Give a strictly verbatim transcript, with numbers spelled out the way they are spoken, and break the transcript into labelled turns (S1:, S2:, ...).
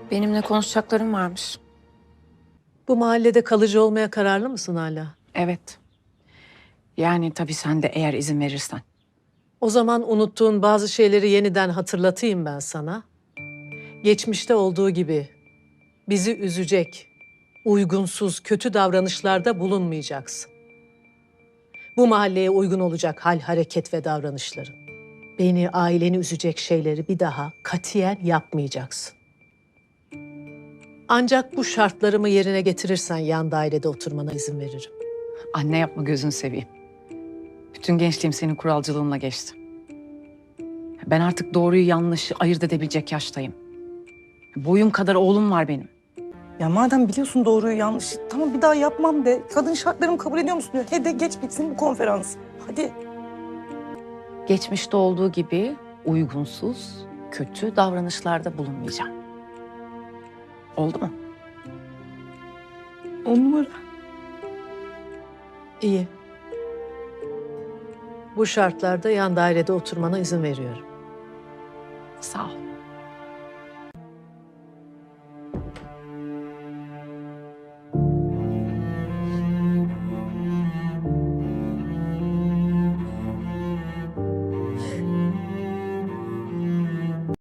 S1: Benimle konuşacaklarım varmış.
S2: Bu mahallede kalıcı olmaya kararlı mısın hala?
S1: Evet. Yani tabii sen de eğer izin verirsen.
S2: O zaman unuttuğun bazı şeyleri yeniden hatırlatayım ben sana. Geçmişte olduğu gibi bizi üzecek, uygunsuz, kötü davranışlarda bulunmayacaksın. Bu mahalleye uygun olacak hal, hareket ve davranışların. Beni, aileni üzecek şeyleri bir daha katiyen yapmayacaksın. Ancak bu şartlarımı yerine getirirsen yan dairede oturmana izin veririm.
S1: Anne yapma gözünü seveyim. Bütün gençliğim senin kuralcılığınla geçti. Ben artık doğruyu yanlışı ayırt edebilecek yaştayım. Boyum kadar oğlum var benim.
S3: Ya madem biliyorsun doğruyu yanlışı, tamam bir daha yapmam de. Kadın şartlarımı kabul ediyor musun diyor. He de geç bitsin bu konferans. Hadi.
S1: Geçmişte olduğu gibi uygunsuz, kötü davranışlarda bulunmayacağım. Oldu mu?
S3: On numara.
S2: İyi. Bu şartlarda yan dairede oturmana izin veriyorum.
S1: Sağ ol.